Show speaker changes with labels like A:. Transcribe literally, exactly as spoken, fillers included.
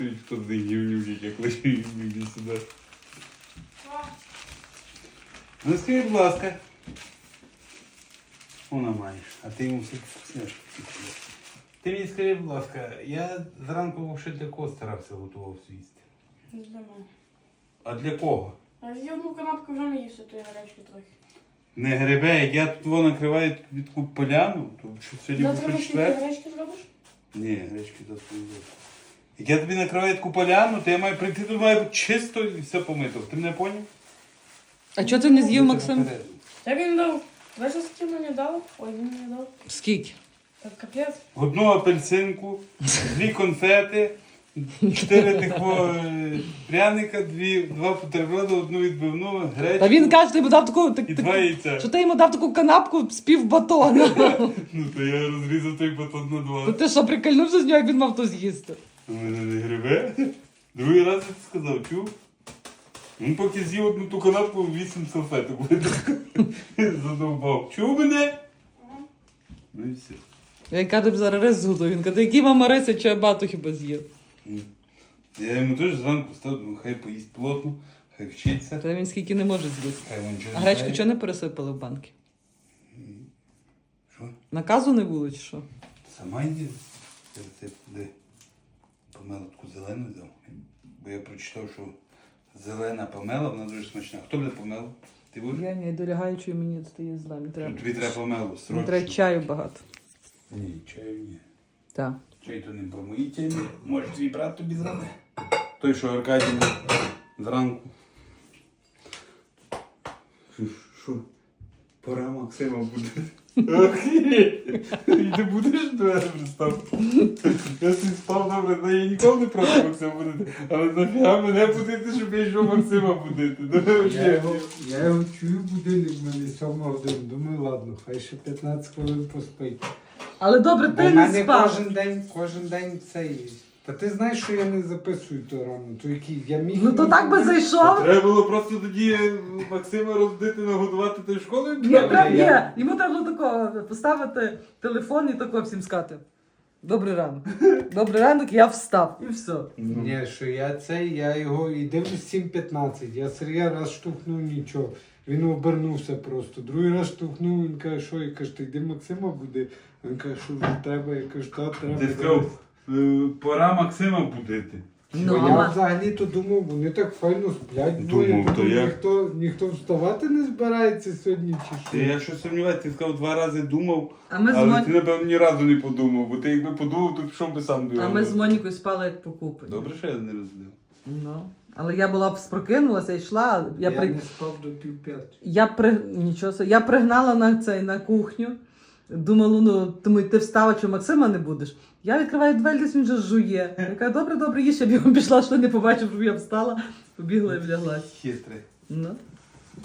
A: Хто з них гівнюк, як лише гівнюк сюди. Ну скажи, будь ласка. Вона маєш, а ти йому все вкусняшки. Ти мені скажи, будь ласка, я зранку ще для кого старався готував їсти?
B: Не для мене.
A: А для кого?
B: А з'їв одну канапку вже не їсти, то я гарячки трохи.
A: Не грибе, як я тут воно накриваю від таку поляну, то що сьогодні
B: Завтра
A: був
B: ти
A: четвер.
B: гарячки зробиш?
A: Ні, гречки завтра не зроблю. Як я тобі накриваю таку поляну, то я маю прийти, тут має бути чисто і все помито. Ти мене поняв?
C: А чого ти не з'їв, Максим?
B: Як він дав? Знаєш, скільки мені дав? Ой, він мені дав.
C: Скільки?
B: Так капець.
A: Одну апельсинку, дві конфети, чотири такого е, пряника, дві, два бутерброди, одну відбивну, гречку
C: Та він каже, ти йому дав таку, так,
A: і
C: так,
A: два яйця.
C: що ти йому дав таку канапку з пів батона.
A: Ну то я розрізав той батон на
C: То
A: два.
C: ти що, прикольнувся з нього, як він мав то з'їсти?
A: У мене не грибе. Другий раз я сказав, чув? Він поки з'їв одну ту канапку, вісім салфеток задовбав. Чув мене? Ну і все.
C: Я кажу, тобі зараз рис зготую. Він каже, який мама риси, чи я багато хіба з'їв?
A: Я йому теж зранку став, ну, хай поїсть плотно, хай вчиться.
C: Та він скільки не може з'їсти.
A: Хай він нічого
C: А
A: не
C: гречку
A: знає.
C: чого не пересипали в банки?
A: Що?
C: Наказу не було, чи що?
A: Сама йди. Я це де? Помелу таку зелену взяв. Бо я прочитав, що зелена помела, вона дуже смачна. Хто буде помелу? Ти будеш?
C: Я не долягаючи, мені стає зла. Мені треба,
A: Тобі треба помелу,
C: мені
A: срочно.
C: треба чаю багато.
A: Ні, чаю ні.
C: Так.
A: Чай то не по моїй темі. Може твій брат тобі зробить? Той, що Аркадій зранку. Що, що? Пора Максима буде. Охереть! І ти будеш двері пристав? Я собі спав добре, але я ніколи не проти Максима будити. Але нафіга мене будити, щоб я йшов Максима будити. Ну,
D: Я
A: взагалі.
D: його, я його чую будильник, в мене сьома година. Думаю, ладно, хай ще п'ятнадцять хвилин поспить.
C: Але добре,
D: Бо
C: ти
D: в
C: не
D: мене
C: спав.
D: кожен день, кожен день цей. Та ти знаєш, що я не записую то рано, то який я міг.
C: Ну то так би зайшов.
A: Треба було просто тоді Максима розбити, нагодувати тою школою.
C: Ні, треба, ні.
D: я-
C: Йому треба було такого поставити телефон і тако всім сказати. Добрий ранок. Добрий ранок, я встав. І все.
D: Ні, що я цей, я його і дивлюсь сім п'ятнадцять. Я Сергія раз штовхнув нічого. Він обернувся просто. Другий раз штовхнув, він каже, що? Я кажу, ти йди Максима буде. Він каже, що вже треба. Я кажу, та треба.
A: Ти сказав, е, пора Максима будити.
C: Ну,
D: я
C: а-
D: взагалі-то думав, вони так файно сплять.
A: Думав,
D: двоє.
A: то
D: Думаю,
A: як?
D: ніхто, ніхто вставати не збирається сьогодні чи що.
A: Ти, я щось сумніваюся, ти сказав, два рази думав,
C: А ми з
A: але
C: Мон-
A: ти, напевно, ні разу не подумав, бо ти якби подумав, то пішов би сам до
C: А ми з Монікою спали як покупані.
A: Добре, що я не розглядав.
C: Ну. Але я була б спрокинулася, йшла. Я,
D: Я
C: при...
D: не спав до півп'ятої.
C: я, при... Нічого собі. Я пригнала на цей на кухню. Думала, ну тому ти встала, що Максима не будеш. Я відкриваю двері, десь він вже жує. Я кажу, добре, добре, їж, я б його пішла, що не побачив, щоб я встала, побігла і вляглась.
A: Хитрий.
C: Ну.